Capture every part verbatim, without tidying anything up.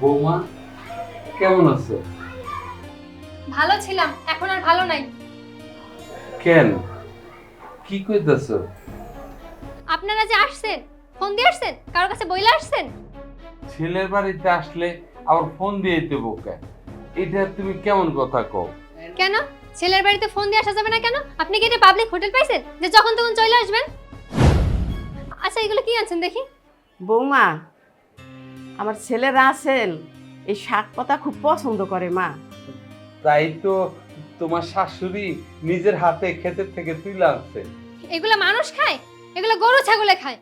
বৌমা কেমন আছো? ভালো ছিলাম, এখন আর ভালো নাই। কেন, কি কইতাছ? আপনারা যে আসছেন, ফোন দিয়ে আসছেন, কারোর কাছে বইলা আসছেন? ছেলের বাড়িতে আসলে আবার ফোন দিয়ে দিতে বোকা, এটা তুমি কেমন কথা কও? কেন ছেলের বাড়িতে ফোন দিয়ে আসা যাবে না কেন? আপনি কি এটা পাবলিক হোটেল পাইছেন যে যখন তখন চলে আসবেন? আচ্ছা এগুলো কি আনছেন দেখি। বৌমা, আমার ছেলে রাসেল এই শাক পাতা খুব পছন্দ করে মা। তাই তো তোমার শাশুড়ি নিজের হাতে ক্ষেতের থেকে তুলে আনছে। এগুলো মানুষ খায়? এগুলো গরু ছাগলে খায়।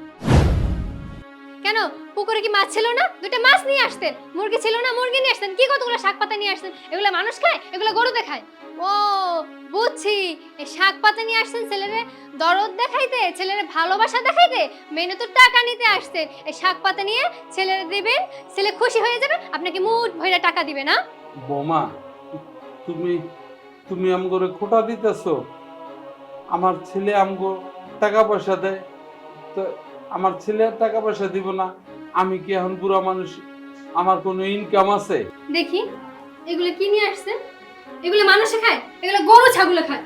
কেন পুকুরে কি মাছ ছিল না? দুটো মাছ নিয়ে আসতেন। মুরগি ছিল না, মুরগি নিয়ে আসতেন। কি কতগুলো শাক পাতা নিয়ে আসতেন? এগুলো মানুষ খায়? এগুলো গরু দেখায়? ও বুঝছি, এই শাক পাতা নিয়ে আসছেন ছেলেরে দরদ দেখাইতে, ছেলেরে ভালোবাসা দেখাইতে, মেনে তো টাকা নিতে আসছেন। এই শাক পাতা নিয়ে ছেলেরে দিবেন, ছেলে খুশি হয়ে যাবে, আপনাকে মুঠ ভইরা টাকা দিবে না? বৌমা, তুমি তুমি আমগরে খোটা দিতেছো। আমার ছেলে আমগো টাকা পয়সা দেয়, তো আমার ছেলে আর টাকা পয়সা দিব না? আমি কি এখন বুড়া মানুষ, আমার কোনো ইনকাম আছে? দেখি এগুলো কি নিয়ে আসছেন? এগুলো মানুষে খায়? এগুলো গরু ছাগলে খায়।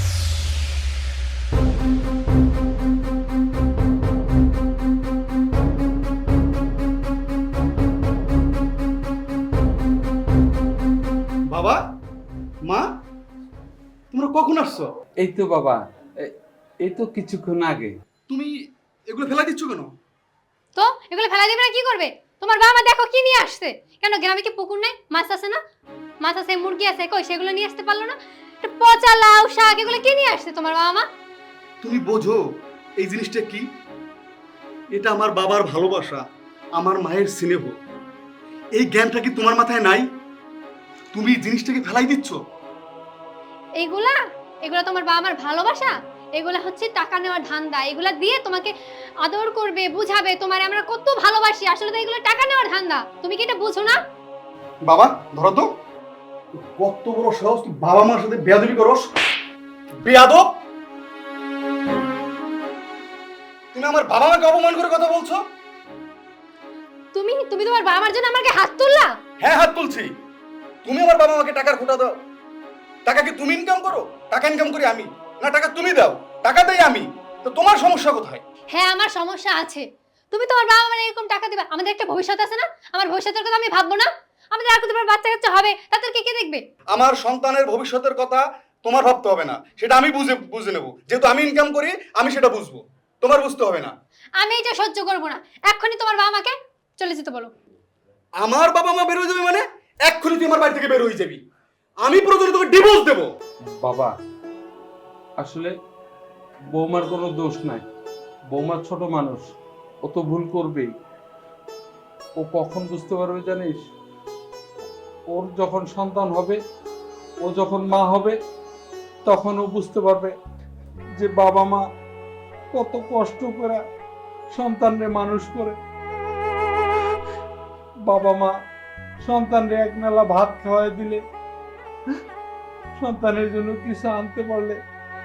বাবা, মা, তোমরা কখন আসছো? এই তো বাবা, এ- এই তো কিছুক্ষণ আগে। তুমি এগুলো ফেলা দিচ্ছ কেন? তো এগুলো ফেলা দিবে না কি করবে? তোমার বাবা মা দেখো কি নিয়ে আসছে। কেন গ্রামে কি পুকুর নাই? মাছ আছে না? মাছ আছে, মুরগি আছে, কই সেগুলো নিয়ে আসতে পারলো না? একটা পচা লাউ শাক এগুলো কি নিয়ে আসছে তোমার বাবা মা? তুমি বোঝো এই জিনিসটা কি? এটা আমার বাবার ভালোবাসা, আমার মায়ের স্নেহ। এই জ্ঞানটা কি তোমার মাথায় নাই? তুমি এই জিনিসটাকে ফেলাই দিচ্ছ। এইগুলা এগুলা তোমার বাবা মার ভালোবাসা? এগুলা হচ্ছে টাকা নেওয়ার ধান্দা। এগুলা দিয়ে তোমাকে আদর করবে, বুঝাবে তোমার আমরা কত ভালোবাসি। আসলে তো এগুলো টাকা নেওয়ার ধান্দা। তুমি কি এটা বুঝো না? বাবা ধরো তো, কত বড় সাহস তুই বাবা মার সাথে বেয়াদবি করস! বেয়াদব! তুমি আমার বাবা মাকে অপমান করে কথা বলছো? তুমি তুমি তোমার বাবা মার জন্য আমাকে হাত তুললা? হ্যাঁ, হাত তুলছি। তুমি আমার বাবা মাকে টাকার খোটা দাও। টাকা কি তুমি ইনকাম করো? টাকা ইনকাম করি আমি, না টাকা তুমি দাও? টাকা দেই আমি, তো তোমার সমস্যা কোথায়? হ্যাঁ আমার সমস্যা আছে। তুমি তোমার বাবা মার এরকম টাকা দিবা? আমাদের একটা ভবিষ্যৎ আছে না? আমার ভবিষ্যতের কথা আমি ভাববো না? আমাদের আর কতবার বাচ্চা কাচ্চা হবে, তাদেরকে কে দেখবে? আমার সন্তানের ভবিষ্যতের কথা তোমার ভাবতে হবে না, সেটা আমি বুঝে বুঝে নেব। যেহেতু আমি ইনকাম করি, আমি সেটা বুঝবো, তোমার বুঝতে হবে না। আমি এটা সহ্য করবো না। এক্ষুনি তোমার বাবা মাকে চলে যেতে বলো। আমার বাবা মা বের হয়ে যাবে মানে? এক্ষুনি তুই আমার বাড়ি থেকে বের হয়ে যাবি। আমি প্রয়োজনে তোকে ডিভোর্স দেবো। বাবা, আসলে বৌমার কোনো দোষ নাই। বৌমা ছোট মানুষ, ও তো ভুল করবেই। ও কখন বুঝতে পারবে জানিস? ওর যখন সন্তান হবে, ও যখন মা হবে, তখন ও বুঝতে পারবে যে বাবা মা কত কষ্ট করে সন্তানরে মানুষ করে। বাবা মা সন্তানরে এক নালা ভাত খাওয়াই দিলে, সন্তানের জন্য কিছু আনতে পারলে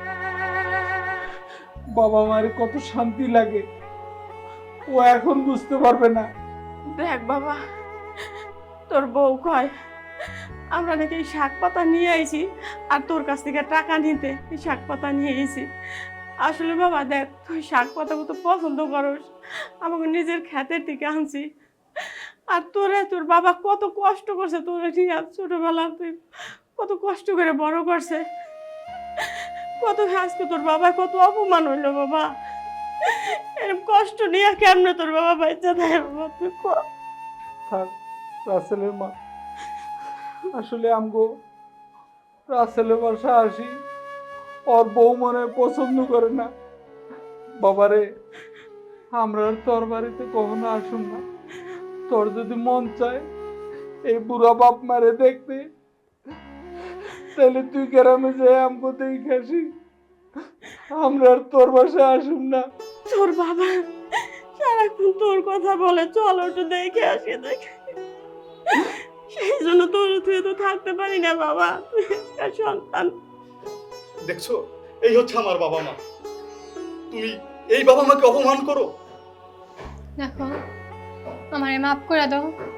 বাবা মায়ের কত শান্তি লাগে, ও এখন বুঝতে পারবে না। দেখ বাবা, তোর বউ কয় আমরা নাকি এই শাক পাতা নিয়ে আইছি আর তোর কাছ থেকে টাকা নিতে এই শাক পাতা নিয়ে এসেছি। আসলে বাবা দেখ, তুই শাক পাতা কত পছন্দ করস, আমাকে নিজের ক্ষেতের থেকে আনছি। আর তোরা তোর বাবা কত কষ্ট করছে তোরা ঠিক আছে, ছোটবেলা তুই কত কষ্ট করে বড় করছে। কত আজকে তোর বাবা কত অপমান হইলো বাবা। এরকম কষ্ট নিয়ে কেমনে তোর বাবা বাচ্চা দেয় বাবা, তুই কর। থাক রাসেলের মা, আসলে আমগো রাসেলের বাসা আসি, ওর বউ মনে হয় পছন্দ করে না। বাবারে, আমরা আর তোর বাড়িতে কখনো আসুন না। তোর যদি মন চায় এই বুড়া বাপ মারে দেখতে, তাহলে তুই গ্রামে যাই আমগো দেখে আসি। আমরা আর তোর বাসায় আসুন না। তোর বাবা সারাক্ষণ তোর কথা বলে, চল একটু দেখে আসি দেখে। সেই জন্য তোর তুই তো থাকতে পারি না বাবা, তুই একটা সন্তান। দেখছো, এই হচ্ছে আমার বাবা মা। তুমি এই বাবা মাকে অপমান করো। দেখো আমারে মাফ করে দাও।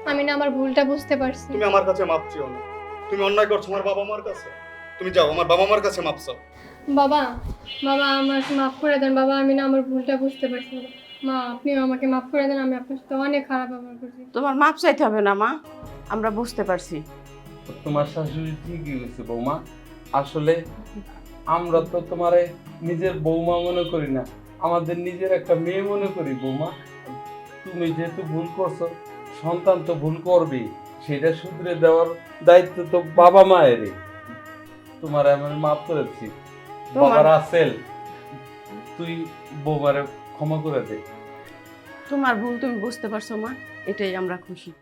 আমি না আমার ভুলটা বুঝতে পারছি। তুমি আমার কাছে মাপ চেও না। তুমি অন্যায় করছো আমার বাবা মার কাছে। তুমি যাও আমার বাবা মার কাছে মাপ চাও। বাবা, বাবা আমাকে মাফ করে দেন বাবা, আমি না আমার ভুলটা বুঝতে পারছি বাবা। মা আপনিও আমাকে মাফ করে দেন, আমি আপনার সাথে অনেক খারাপ ব্যবহার করছি। তোমার মাপ চাইতে হবে না মা, আমরা বুঝতে পারছি। তোমার শাশুড়ি ঠিকই হয়েছে বৌমা। আসলে আমরা তো তোমারে নিজের বৌমা মনে করি না, আমাদের নিজের একটা মেয়ে মনে করি বৌমা। তুমি যেহেতু ভুল করছো, সন্তান তো ভুল করবেই, সেটা শুধরে দেওয়ার দায়িত্ব তো বাবা মায়েরই। তোমার আমি মাফ করেছি। তোমার- বাবার আসেল, তুই বৌমারে ক্ষমা করে দে। তোমার ভুল তুমি বুঝতে পারছো মা, এটাই আমরা খুশি।